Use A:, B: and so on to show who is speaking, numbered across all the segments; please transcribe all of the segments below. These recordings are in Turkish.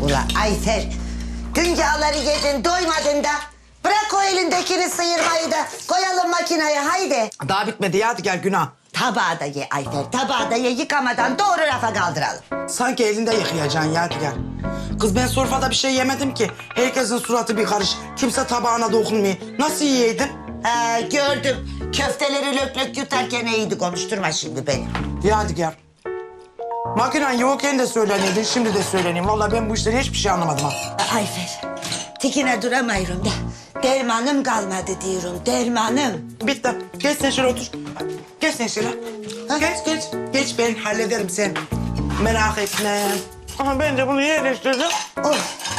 A: Ula Ayfer, dünyaları yedin doymadın da. Bırak o elindekini sıyırmayı da koyalım makineye haydi.
B: Daha bitmedi ya, hadi gel günah.
A: Tabağı da ye Ayfer, tabağı da ye yıkamadan doğru rafa kaldıralım.
B: Sanki elinde yıkayacaksın ya, hadi gel. Kız ben sofrada bir şey yemedim ki. Herkesin suratı bir karış. Kimse tabağına dokunmuyor. Nasıl yiyeydim?
A: Gördüm. Köfteleri lök lök yutarken iyiydi, konuşturma şimdi beni.
B: Ya hadi gel. Makinen yokken de söyleniyordu, şimdi de söyleniyorum. Vallahi ben bu işten hiçbir şey anlamadım ha.
A: Ayfer, tikine duramıyorum da. Dermanım kalmadı diyorum, dermanım.
B: Bitti. Geç sen şöyle otur. Geç sen şöyle. Geç. Geç ben hallederim sen. Merak etme. Aha ben de bunu yerleştirdim.
A: Oy.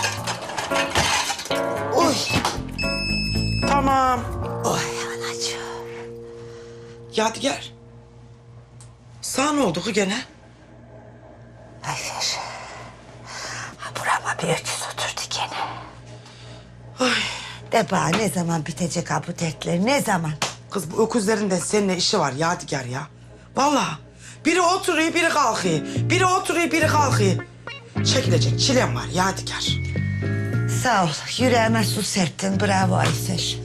A: Oy.
B: Tamam.
A: Oy anacığım.
B: Yadigar. Sana ne oldu ki gene?
A: Ayfer. Ha burama bir öküz oturdu gene.
B: Ay.
A: De bana ne zaman bitecek ha bu dertler, ne zaman?
B: Kız bu öküzlerin de seninle işi var Yadigar ya. Vallahi. Biri oturuyor, biri kalkıyor. Biri oturuyor, biri kalkıyor. Çekilecek çilem var Yadigar.
A: Sağ ol, yüreğime su serptin, bravo Ayfer.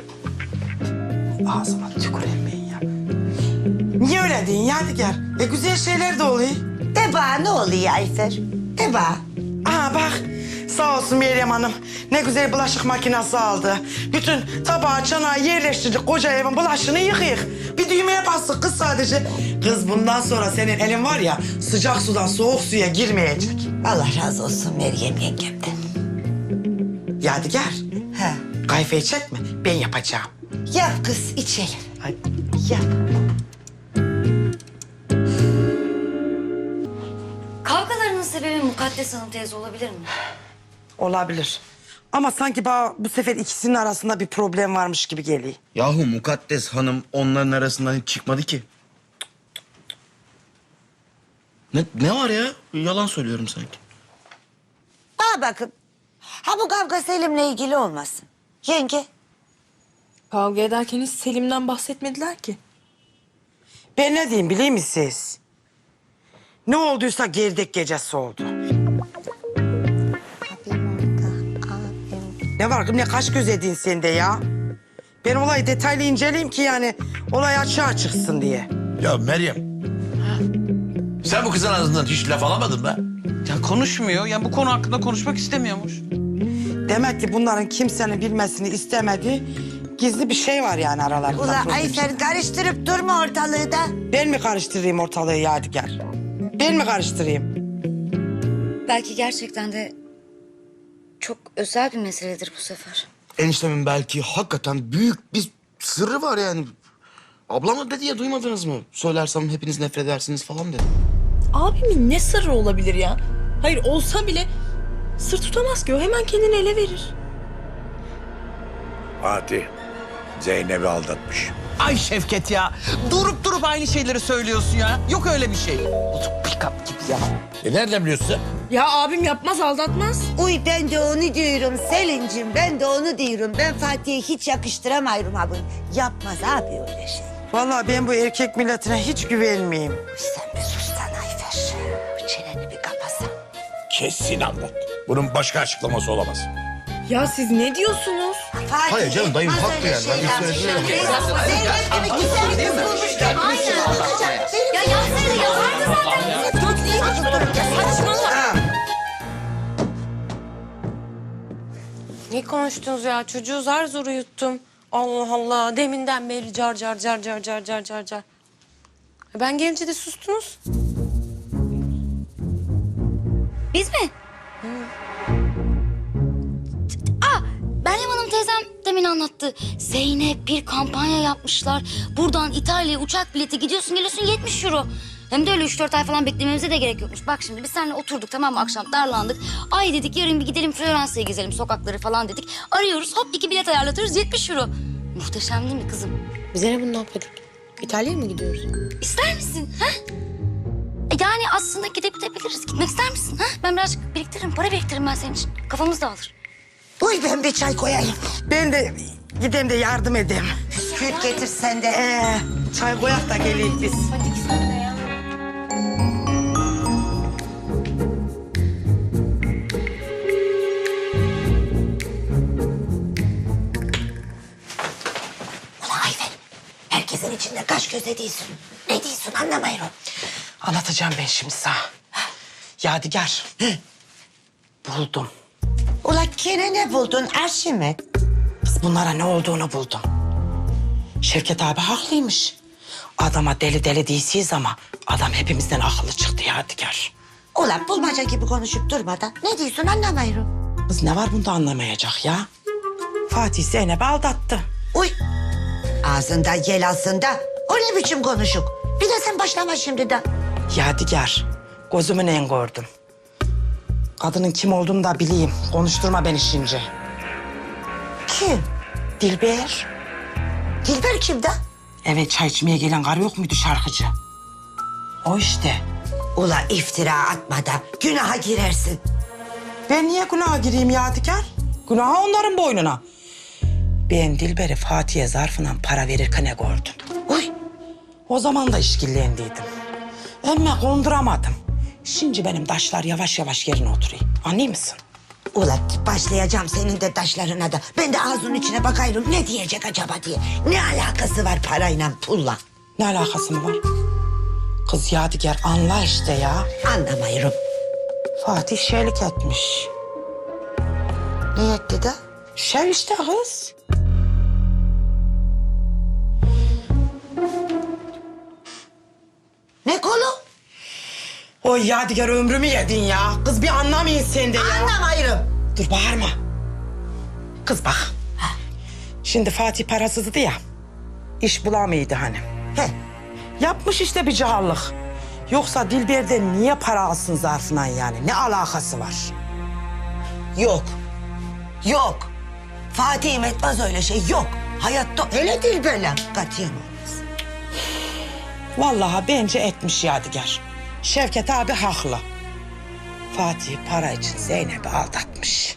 B: Ağzıma tüküreyim ben ya. Niye öyle deyin Yadigar? Güzel şeyler de oluyor.
A: De bana ne oluyor Ayfer? De bana.
B: Aa bak, sağ olsun Meryem Hanım. Ne güzel bulaşık makinesi aldı. Bütün tabağı, çanağı yerleştirdik. Koca evin bulaşığını yıkayık. Bir düğmeye bastık kız sadece. Kız bundan sonra senin elin var ya, sıcak sudan soğuk suya girmeyecek.
A: Allah razı olsun Meryem yengemden.
B: Yadigar,
A: Ha.
B: kayfayı çekme, ben yapacağım.
A: Yap kız, içelim.
B: Hadi.
A: Yap.
C: Kavgalarının sebebi Mukaddes Hanım teyze olabilir mi?
B: Olabilir. Ama sanki bana bu sefer ikisinin arasında bir problem varmış gibi geliyor.
D: Yahu Mukaddes Hanım onların arasından hiç çıkmadı ki. Ne var ya? Yalan söylüyorum sanki.
A: Aa bakın. Ha bu kavga Selim'le ilgili olmasın. Yenge.
E: Kavga ederken hiç Selim'den bahsetmediler ki.
B: Ben ne diyeyim biliyor musunuz? Ne olduysa gerdek gecesi oldu. Ne var kız, ne kaş göz edin sen de ya? Ben olayı detaylı inceleyeyim ki yani olay açığa çıksın diye.
F: Ya Meryem. Sen bu kızın ağzından hiç laf alamadın mı?
G: Ya konuşmuyor. Yani bu konu hakkında konuşmak istemiyormuş.
B: Demek ki bunların kimsenin bilmesini istemediği gizli bir şey var yani aralarında.
A: Ula
B: problem.
A: Ayfer karıştırıp durma ortalığı da.
B: Ben mi karıştırayım ortalığı Yadigar? Ben mi karıştırayım?
C: Belki gerçekten de çok özel bir meseledir bu sefer.
D: Eniştemin belki hakikaten büyük bir sırrı var yani. Ablam da dedi ya, duymadınız mı? Söylersem hepiniz nefret edersiniz falan dedi.
E: Abimin ne sırrı olabilir ya? Hayır olsa bile sır tutamaz ki o, hemen kendini ele verir.
F: Fatih, Zeynep'i aldatmış.
G: Ay Şevket ya. Durup aynı şeyleri söylüyorsun ya. Yok öyle bir şey. Bozuk pick-up gibi ya.
F: Nereden biliyorsun sen?
E: Ya abim yapmaz, aldatmaz.
A: Uy ben de onu diyorum Selin'cim, ben de onu diyorum. Ben Fatih'e hiç yakıştıramıyorum ha bunu. Yapmaz abi öyle şey.
B: Vallahi ben bu erkek milletine hiç güvenmeyeyim.
A: Sen bir sussan Ayfer. Bir çeneni bir kapasan.
F: Kesin anlat. Bunun başka açıklaması olamaz.
E: Ya siz ne diyorsunuz?
A: Fatih,
D: Hayır canım, dayım
A: yapmaz
D: haklı
A: öyle
D: yani. Ben
A: şeyler.
D: söylüyorum.
A: Zeynep gibi güzel bir kız bulmuş.
C: Aynen. Ya yapsaydı yapardı zaten.
A: Saçmalama.
H: Ne konuştunuz ya? Çocuğu zar zor uyuttum. Allah Allah. Deminden beri car car car car car car car car. Ben gelince de sustunuz.
C: Biz mi? Meryem Hanım teyzem demin anlattı. Zeynep bir kampanya yapmışlar. Buradan İtalya'ya uçak bileti gidiyorsun geliyorsun 70 euro. Hem de öyle 3-4 ay falan beklememize de gerek yokmuş. Bak şimdi biz seninle oturduk tamam mı akşam darlandık. Ay dedik yarın bir gidelim Floransa'ya gezelim sokakları falan dedik. Arıyoruz hop 2 bilet ayarlatıyoruz 70 euro. Muhteşem değil mi kızım?
H: Biz ne bunu ne yapıyorduk? İtalya'ya mı gidiyoruz?
C: İster misin? Ha? Yani aslında gidebiliriz. Gitmek ister misin? Ha? Ben birazcık biriktiririm, para biriktiririm ben senin için. Kafamız dağılır.
A: Uy ben bir çay koyayım.
B: Ben de gideyim de yardım edeyim.
A: Bisküvit getir sen de.
B: Çay koyak da geleyim biz.
H: Hadi sen de ya.
A: göz ediyorsun. Ne diyorsun anlamıyorum.
B: Anlatacağım ben şimdi sana. Yadigar. Buldum.
A: Ula gene ne buldun Arşimet?
B: Kız bunlara ne olduğunu buldum. Şevket abi haklıymış. Adama deli deli değilsiniz ama adam hepimizden akıllı çıktı Yadigar.
A: Ula bulmaca gibi konuşup durmadan ne diyorsun anlamıyorum.
B: Kız ne var bunda anlamayacak ya? Fatih Zeynep'i aldattı.
A: Uy ağzında yel aslında. O ne biçim konuşuk? Bir de sen başlama şimdi de.
B: Yadigar, gözümün en gördüm. Kadının kim olduğunu da bileyim. Konuşturma beni şimdi.
A: Kim?
B: Dilber.
A: Dilber kim de?
B: Evet, çay içmeye gelen karı yok muydu şarkıcı? O işte.
A: Ula iftira atma da günaha girersin.
B: Ben niye günaha gireyim Yadigar? Günaha onların boynuna. Ben Dilber'i Fatih'e zarfından para verirken gördüm.
A: Uy
B: O zaman da işkillendiydim. Ama konduramadım. Şimdi benim taşlar yavaş yavaş yerine oturuyor. Anlıyor musun?
A: ula başlayacağım senin de taşlarına da. Ben de ağzının içine bakıyorum ne diyecek acaba diye. Ne alakası var parayla pulla?
B: Ne alakası mı var? Kız Yadigar anla işte ya.
A: Anlamıyorum.
B: Fatih şeylik etmiş.
A: Ne etti de?
B: Şey işte kız.
A: Ne kolu?
B: Oy Yadigar ömrümü yedin ya. Kız bir anlamayın sen de ya.
A: Anlamıyorum.
B: Dur bağırma. Kız bak. Şimdi Fatih parasızdı ya. İş bulamıyordu hani.
A: He.
B: Yapmış işte bir cağallık. Yoksa Dilber'den niye para alsın zarfından yani? Ne alakası var?
A: Yok. Yok. Fatih'im etmez öyle şey yok. Hayatta öyle değil böyle. Katiyen olmaz.
B: Vallahi bence etmiş Yadigar. Şevket abi haklı. Fatih para için Zeynep'i aldatmış.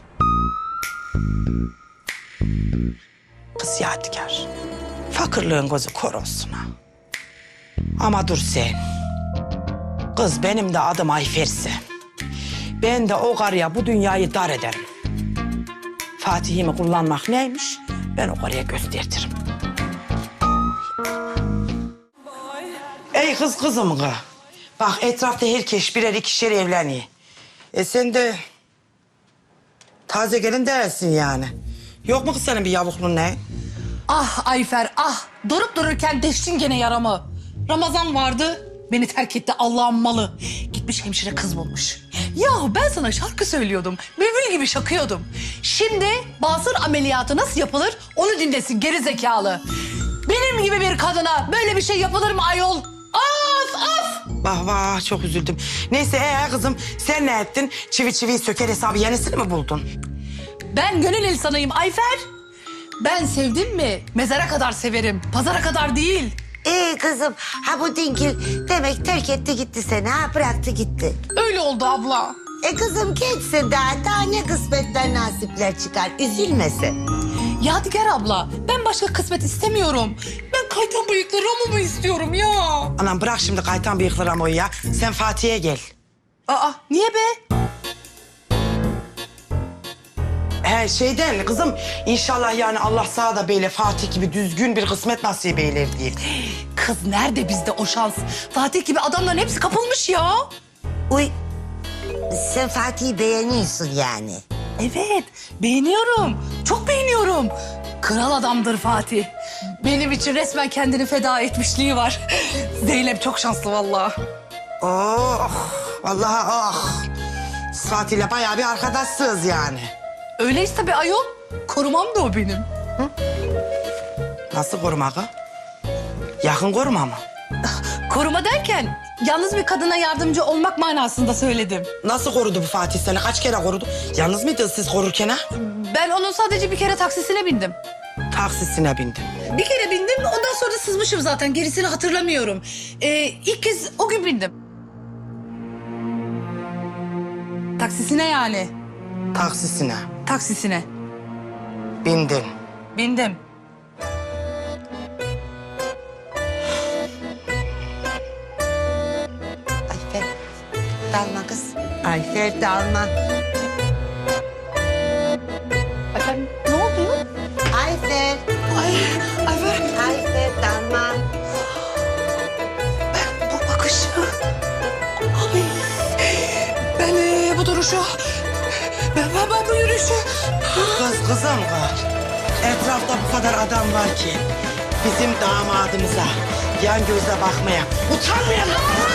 B: Kız Yadigar. Fakirliğin gözü kör olsun ha. Ama dur sen. Kız benim de adım Ayfer'se. Ben de o karıya bu dünyayı dar ederim. Fatih'imi kullanmak neymiş? Ben o karıya gösteririm. Ey kızım kız. Bak etrafta herkes birer ikişer evleniyor. Sen de taze gelin değilsin yani. Yok mu kız senin bir yavukluğun ne?
I: Ah Ayfer ah durup dururken deştin gene yaramı. Ramazan vardı beni terk etti Allah'ın malı. Gitmiş hemşire kız bulmuş. Ya ben sana şarkı söylüyordum. Bülbül gibi şakıyordum. Şimdi basır ameliyatı nasıl yapılır onu dinlesin geri zekalı. Benim gibi bir kadına böyle bir şey yapılır mı ayol? Of of!
B: Vah vah çok üzüldüm. Neyse kızım sen ne ettin? Çivi çiviyi söker hesabı yenisini mi buldun?
I: Ben gönül insanıyım Ayfer. Ben sevdim mi mezara kadar severim. Pazara kadar değil.
A: Kızım ha bu dingil demek terk etti gitti seni ha bıraktı gitti.
I: Öyle oldu abla.
A: Kızım geçsin daha ne kısmetler nasipler çıkar üzülmesin.
I: Yadigar abla, ben başka kısmet istemiyorum. Ben kaytan bıyıklı Ramo'mu istiyorum ya.
B: Anam bırak şimdi kaytan bıyıklı Ramo'yu ya. Sen Fatih'e gel.
I: Aa, niye be?
B: Şeyden kızım inşallah yani Allah sana da böyle Fatih gibi düzgün bir kısmet nasip eyler diye.
I: Kız nerede bizde o şans? Fatih gibi adamların hepsi kapılmış ya.
A: Uy sen Fatih'i beğeniyorsun yani.
I: Evet, beğeniyorum. Çok beğeniyorum. Kral adamdır Fatih. Benim için resmen kendini feda etmişliği var. Zeynep çok şanslı vallahi.
B: Oh vallahi oh. Siz Fatih'le bayağı bir arkadaşsınız yani.
I: Öyleyiz tabii ayol. Korumam da o benim.
B: Nasıl koruma kız? Yakın koruma mı?
I: Koruma derken yalnız bir kadına yardımcı olmak manasında söyledim.
B: Nasıl korudu bu Fatih seni? Kaç kere korudu? Yalnız mıydınız siz korurken ha?
I: Ben onun sadece bir kere taksisine bindim.
B: Taksisine bindin.
I: Bir kere bindim, ondan sonra da sızmışım zaten. Gerisini hatırlamıyorum. İlk kez o gün bindim. Taksisine yani.
B: Taksisine
I: Taksisine.
B: bindin.
I: Bindim.
A: Ayfer dalma kız. Ayfer dalma.
I: Efendim ne oldu?
A: Ayfer.
I: Ay, Ayfer.
A: Ayfer dalma.
I: duruşu. Ben bu yürüyüşü.
B: Kızım kız. Etrafta bu kadar adam var ki bizim damadımıza yan gözle bakmaya utanmayalım.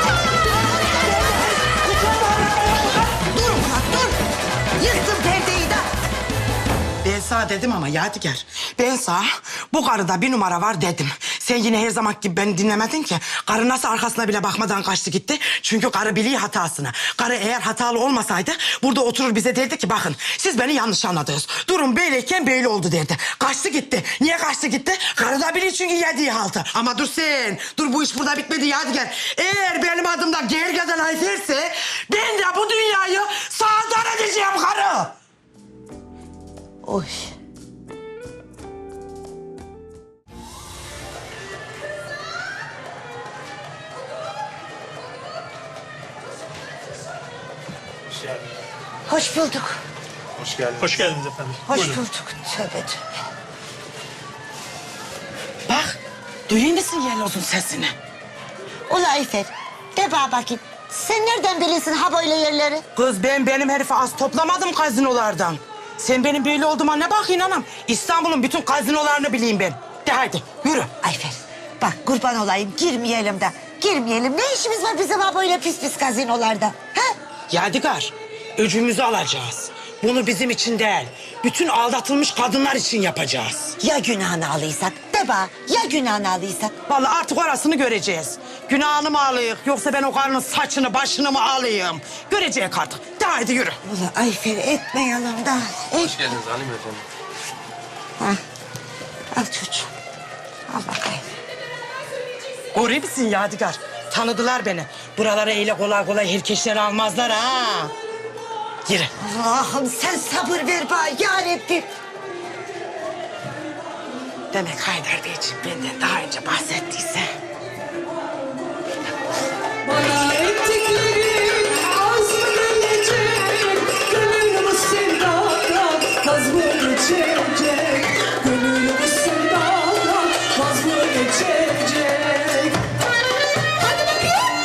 A: Dur Murat dur. Yıktın perdeyi de.
B: Ben sana dedim ama Yadigar. Ben sana bu karıda bir numara var dedim. Sen yine her zaman gibi beni dinlemedin ki. Karı nasıl arkasına bile bakmadan kaçtı gitti. Çünkü karı biliyor hatasını. Karı eğer hatalı olmasaydı burada oturur bize derdi ki bakın siz beni yanlış anladınız. Durum böyleyken böyle oldu derdi. Kaçtı gitti. Niye kaçtı gitti? Karı da biliyor çünkü yediği haltı. Ama dur sen. Dur bu iş burada bitmedi Yadigar. Eğer benim adım da Gergedan Ayfer'se ben de bu dünyayı sağdan edeceğim karı.
A: Oy. Hoş bulduk.
J: Hoş geldiniz efendim.
A: Hoş
J: Buyurun.
A: bulduk. Tövbe tövbe.
B: Bak, duyuyor musun Yeloz'un sesini?
A: Ula Ayfer, de bana bakayım. Sen nereden bilirsin ha böyle yerleri?
B: Kız benim herifi az toplamadım gazinolardan. Sen benim böyle olduğuma ne bakıyorsun anam? İstanbul'un bütün gazinolarını bileyim ben. De haydi yürü.
A: Ayfer, bak kurban olayım girmeyelim de. Girmeyelim. Ne işimiz var bizim ha böyle pis pis gazinolarda? Ha?
B: Yadigar, öcümüzü alacağız. Bunu bizim için değil, bütün aldatılmış kadınlar için yapacağız.
A: Ya günahını alıysak? De bana, ya günahını alıysak?
B: Vallahi artık orasını göreceğiz. Günahını mı alayım yoksa ben o karının saçını başını mı alayım? Göreceğiz artık. De haydi yürü.
A: Ula Ayfer etmeyelim da.
D: Hoş geldiniz Halim efendim.
A: Ha. Al çocuğum. Al bakayım.
B: Görüyor musun Yadigar? Tanıdılar beni. Buralara öyle kolay kolay herkesleri almazlar ha. Yürü.
A: Allah'ım sen sabır ver bana yarabbim.
B: Demek Haydar Beyciğim benden daha önce bahsettiyse.
I: Bana ettiklerin az mı gelecek? Gönlümü sevdadan vaz mı geçecek? Gönlümü sevdadan vaz mı geçecek? Hadi bakayım.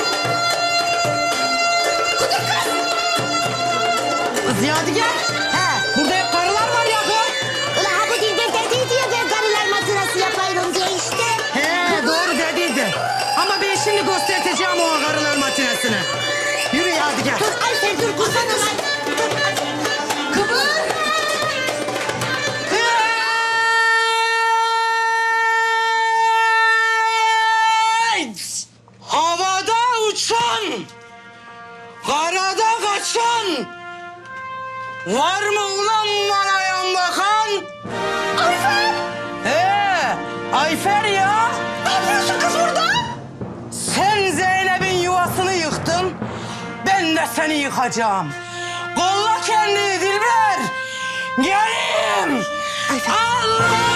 B: Kız Yadigar.
A: He.
B: Burada hep karılar var ya kız.
A: Ula ha bu dilde dediydi ya ben karılar matinası yapıyorum diye işte.
B: He doğru dediydi. Ama ben şimdi göstereceğim o karılar matinesini. Yürü Yadigar.
A: Dur Ayfer dur kurban olayım. Kıvır.
B: Havada uçan, karada kaçan, var mı ulan bana yan bakan? Ayfer! Ayfer ya! Ne yapıyorsun kız burada? Sen Zeynep'in yuvasını yıktın, ben de seni yıkacağım. Kolla kendini Dilber! Gelin! Allah!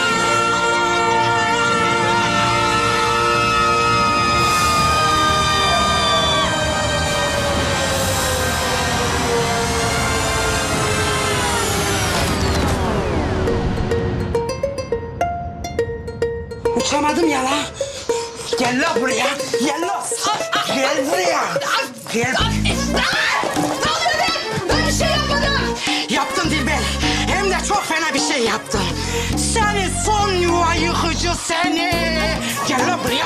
B: Uçamadım ya la. Gel la buraya. Gel la. Gel buraya. Gel.
I: Ben bir şey yapmadım.
B: Yaptın Dilber. Hem de çok fena bir şey yaptın. Seni son yuva yıkıcı seni. Gel la buraya.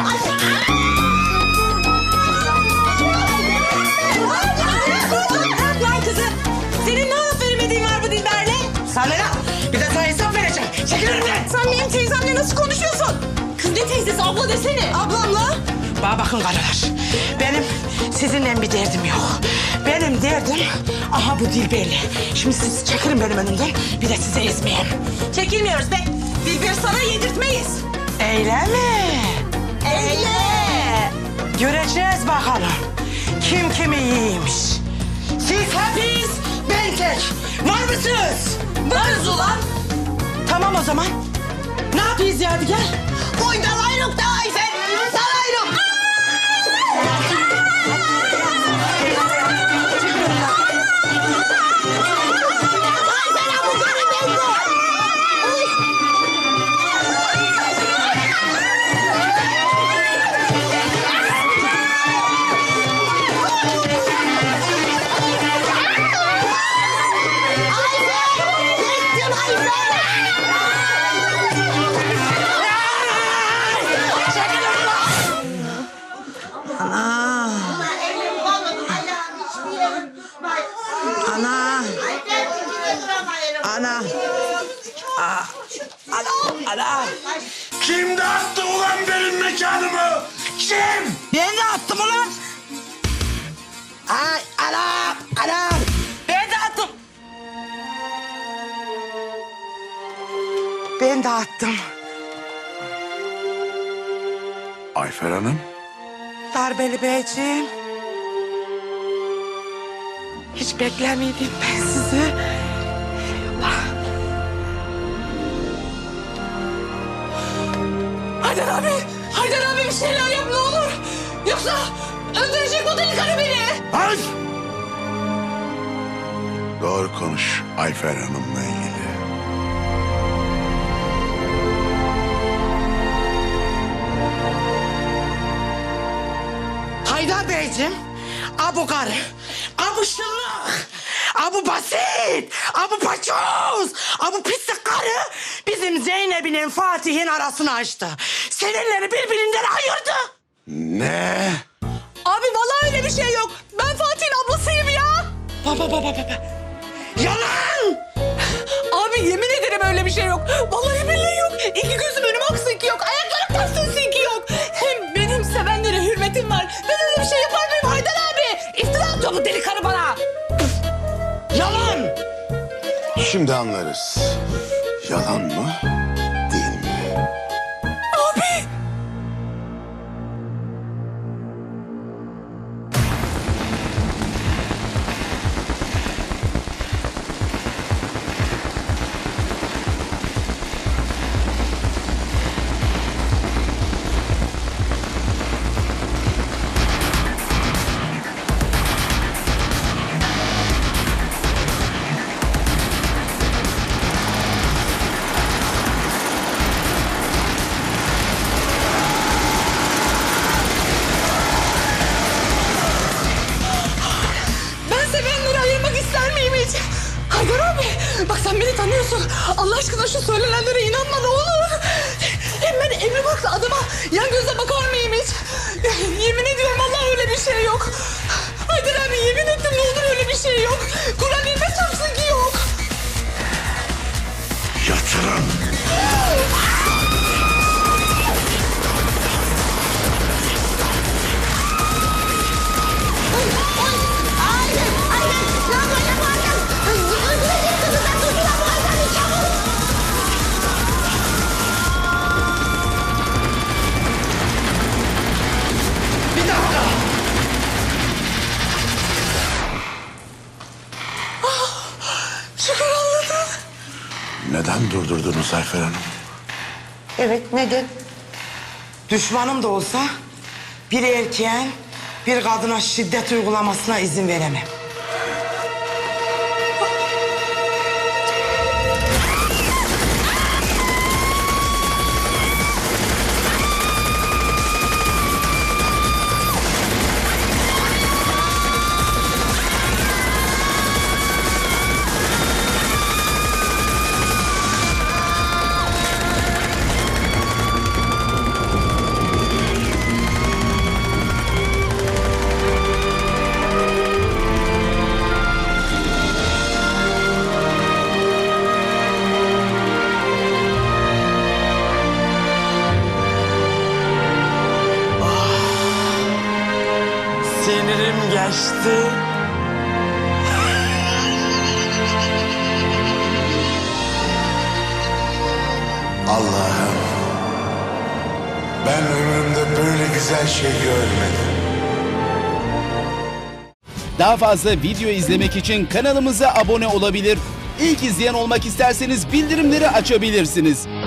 E: Lan kızı. Senin ne laf veremediğin var bu Dilber'le?
B: Sana ne? Bir de sana hesap vereceğim. Çekil önümden.
E: Sen benim teyzemle nasıl konuşuyorsun? Kız ne teyzesi abla desene. Ablamla?
B: Bana bakın karılar. Benim sizinle bir derdim yok. Benim derdim aha bu Dilber'le. Şimdi siz çekilin benim önümden. Bir de sizi ezmeyeyim.
E: Çekilmiyoruz be. Dilber'i sana yedirtmeyiz.
B: Öyle mi?
E: Öyle.
B: Göreceğiz bakalım. Kim kimi yiymiş. Siz hepiniz ben tek. Var mısınız?
E: Varız ulan.
B: Tamam o zaman. Ne yapıyoruz Yadigar?
A: Oynalayırım da Ayfer. Dalayırım. Ayfer ha bu karı bende.
B: Ana. Ana.
D: Kim dağıttı ulan benim mekanımı? Kim?
B: Ben de attım ulan. Ay anam. Ben de attım. Ben de attım.
F: Ayfer Hanım.
B: Darbeli Beyciğim. Hiç beklemiyordum ben sizi. Haydar abi bir şeyler yap ne olur. Yoksa öldürecek o deli karı beni.
F: Ay! Doğru konuş Ayfer Hanım'la ilgili.
B: Haydar Beyciğim, bu karı, bu şıllık, bu basit, bu paçoz, bu pislik karı bizim Zeynep'in Fatih'in arasını açtı. Seninleri birbirinden ayırdı.
F: Ne?
I: Abi vallahi öyle bir şey yok. Ben Fatih'in ablasıyım ya.
B: Baba. Yalan!
I: Abi yemin ederim öyle bir şey yok. Vallahi billahi yok. İki gözüm önüm aksınki yok. Ayaklarım taksınki yok. Hem benim sevenlere hürmetim var. Ben öyle bir şey yapar mıyım Haydar abi? İftira atıyor bu deli karı bana.
B: Yalan!
F: Şimdi anlarız. Yalan mı? Değil mi?
I: Abi. Ben sevenleri ayırmak ister miyim hiç? Haydar abi bak sen beni tanıyorsun. Allah aşkına şu söylenenlere inanma ne olur. Hem ben emri baklı adama yan gözle bakar mıyım hiç? Yemin ediyorum vallahi öyle bir şey yok. Haydar abi yemin ettim ne olur öyle bir şey yok. Kur'an ilme çarpsın ki yok.
F: Yatırın.
B: Bir dakika.
I: Şükür anladım.
F: Neden durdurdunuz Ayfer Hanım?
B: Evet, neden? Düşmanım da olsa bir erkeğin bir kadına şiddet uygulamasına izin veremem. Sinirim geçti.
F: Allah'ım. Ben ömrümde böyle güzel şey görmedim.
K: Daha fazla video izlemek için kanalımıza abone olabilir. İlk izleyen olmak isterseniz bildirimleri açabilirsiniz.